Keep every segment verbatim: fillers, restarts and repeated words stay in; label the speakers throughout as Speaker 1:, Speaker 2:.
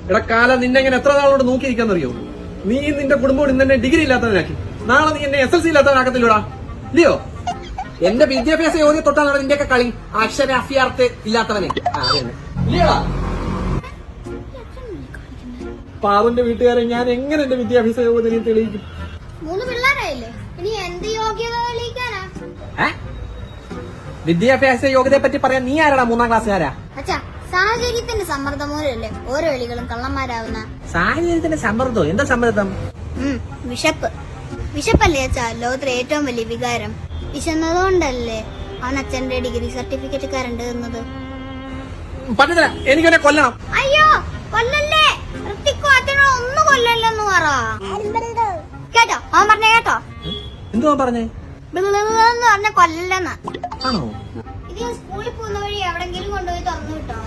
Speaker 1: എടാ കാലം നിന്നെ ഇങ്ങനെ എത്ര നാളോട് നോക്കിയിരിക്കാന്നറിയോ? നീ നിന്റെ കുടുംബം ഇന്ന് എന്നെ ഡിഗ്രി ഇല്ലാത്തവനാക്കി, നാളെ നീ എന്നെ എസ് എൽ സി ഇല്ലാത്തവനാക്കത്തില്ലടാ, ഇല്ലയോ? എന്റെ വിദ്യാഭ്യാസ യോഗ്യത തൊട്ടാണ് നിന്റെയൊക്കെ കളി, അക്ഷരാഭ്യാർത്ഥ ഇല്ലാത്തവനെ. ഇല്ലയോടാ? പാവന്റെ വീട്ടുകാരെ ഞാൻ എങ്ങനെ എന്റെ വിദ്യാഭ്യാസ യോഗ്യത നീ തെളിയിക്കും?
Speaker 2: മൂന്ന് പിള്ളേരായില്ലേ, ഇനി എന്ത് യോഗ്യത തെളിയിക്കാനാ?
Speaker 1: വിദ്യാഭ്യാസ യോഗ്യതയെ പറ്റി പറയാൻ നീ ആരാടാ മൂന്നാം ക്ലാസ്സുകാരാ?
Speaker 2: അച്ഛാ, സാഹചര്യത്തിന്റെ സമ്മർദ്ദം മൂലമല്ലേ ഓരോ എളികളും കള്ളന്മാരാവുന്ന?
Speaker 1: സാഹചര്യത്തിന്റെ സമ്മർദ്ദം? എന്താ സമ്മർദ്ദം?
Speaker 2: വിശപ്പ്. വിശപ്പല്ലേ അച്ഛാ ലോകത്തിലെ ഏറ്റവും വലിയ വികാരം? വിശന്നതുകൊണ്ടല്ലേ അവൻ അച്ഛന്റെ ഡിഗ്രി സർട്ടിഫിക്കറ്റ് കരണ്ട് തന്നത്?
Speaker 1: പറ്റത്തില്ല, എനിക്കെന്നെ കൊല്ലണം.
Speaker 2: അയ്യോ കൊല്ലല്ലേ, ഋത്തിക്കോ അച്ഛനോ ഒന്നും കൊല്ലല്ലെന്ന് പറ കേട്ടോ. അവൻ പറഞ്ഞ കേട്ടോ?
Speaker 1: എന്തുവാ പറഞ്ഞേ?
Speaker 2: എന്ന് പറഞ്ഞ കൊല്ലല്ലെന്ന്.
Speaker 1: ആണോ?
Speaker 2: ഇത് സ്കൂളിൽ പോകുന്ന വഴി എവിടെങ്കിലും കൊണ്ടുപോയി തുറന്നു കിട്ടണം.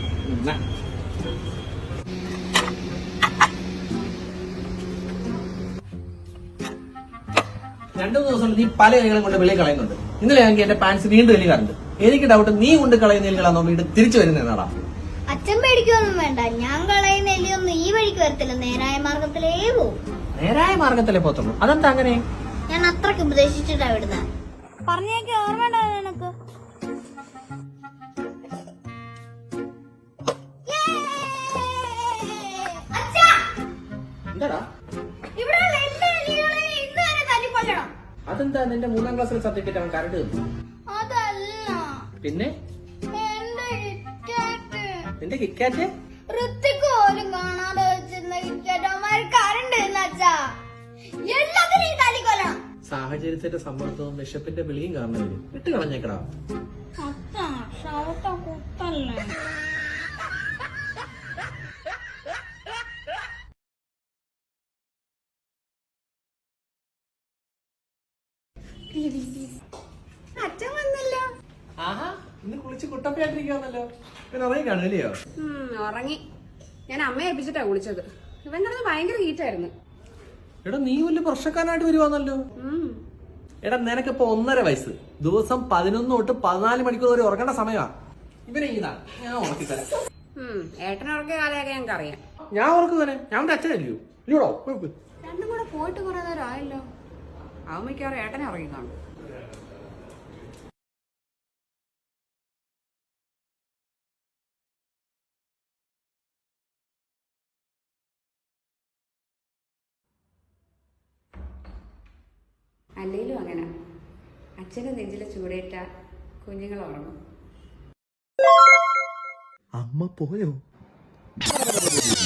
Speaker 1: രണ്ടു ദിവസം നീ പല എലികളും കൊണ്ട് വെളി കളയുന്നുണ്ട്. ഇന്നലെ ആണെങ്കിൽ എന്റെ പാൻസ് വീണ്ടും എലി കറണ്ട്. എനിക്ക് ഡൗട്ട് നീ കൊണ്ട് കളയുന്ന എലികളാണോ വീണ്ടും തിരിച്ചു വരുന്നതാടാ.
Speaker 2: അച്ഛൻ പേടിക്കൊന്നും വേണ്ട, ഞാൻ കളയുന്ന എലിയൊന്നും ഈ വഴിക്ക് വരത്തില്ല, നേരായ മാർഗത്തിലേ പോവും.
Speaker 1: നേരായ മാർഗത്തിലേ പോത്തുള്ളൂ? അതെന്താ അങ്ങനെ?
Speaker 2: ഞാൻ അത്രക്ക് ഉപദേശിച്ചിട്ടാ വിടുന്ന. പറഞ്ഞേക്ക് ഓർമ്മ നിനക്ക്?
Speaker 1: എന്താടാ? അതെന്താ നിന്റെ മൂന്നാം ക്ലാസ്സിലെ സബ്ജക്റ്റ് അവൻ കരണ്ട് തന്നു?
Speaker 2: അതല്ല,
Speaker 1: പിന്നെ നിന്റെ കിക്കാറ്റ്
Speaker 2: ഋത്തിക്ക് പോലും കാണാതെ വെച്ചിരുന്ന കിക്കാറ്റ് അവന്മാര് കരണ്ട് അച്ഛാ. എല്ലാത്തിനും ഈ തല്ലിക്കൊല്ലണം.
Speaker 1: സാഹചര്യത്തിന്റെ സമ്മർദ്ദവും വിശപ്പിന്റെ വിളിയും കാരണം വിട്ട് കളഞ്ഞേക്കടാ.
Speaker 2: അച്ഛൻ വന്നല്ലോ.
Speaker 1: ആഹാ, ഇന്ന് കുളിച്ച് കുട്ടപ്പയായിട്ടിരിക്കാന്നല്ലോ. പിന്നെ ഉറങ്ങി കാണുമല്ലയോ?
Speaker 3: ഉറങ്ങി. ഞാൻ അമ്മയെ ഏൽപ്പിച്ചിട്ടാ കുളിച്ചത്. ഇവന്റെ അടുത്ത് ഭയങ്കര ഹീറ്റായിരുന്നു.
Speaker 1: എടാ നീ വലിയ പ്രശ്നക്കാരനായിട്ട് വരുവാന്നല്ലോ. എടാ നിനക്കിപ്പോ ഒന്നര വയസ്സ്, ദിവസം പതിനൊന്ന് തൊട്ട് പതിനാല് മണിക്കൂർ വരെ ഉറങ്ങേണ്ട സമയമാ. ഇവനെ ഇതാ ഞാൻ ഉറക്കിത്തരാം.
Speaker 3: ഏട്ടനെ ഉറക്കിയ കാലയൊക്കെ ഞങ്ങൾക്ക് അറിയാം.
Speaker 1: ഞാൻ ഉറക്കുന്നതന്നെ, ഞാൻ അച്ഛനല്ലയോ? ഇല്ലയോടോ?
Speaker 3: രണ്ടും കൂടെ പോയിട്ട് കുറെ നേരം ആയല്ലോ. അവൻ മിക്കവാറും ഏട്ടനെ ഉറങ്ങി കാണും. അല്ലേലും അങ്ങനെ അച്ഛന്റെ നെഞ്ചിലെ ചൂടേറ്റ കുഞ്ഞുങ്ങൾ ഉറങ്ങും.
Speaker 1: അമ്മ പോയോ?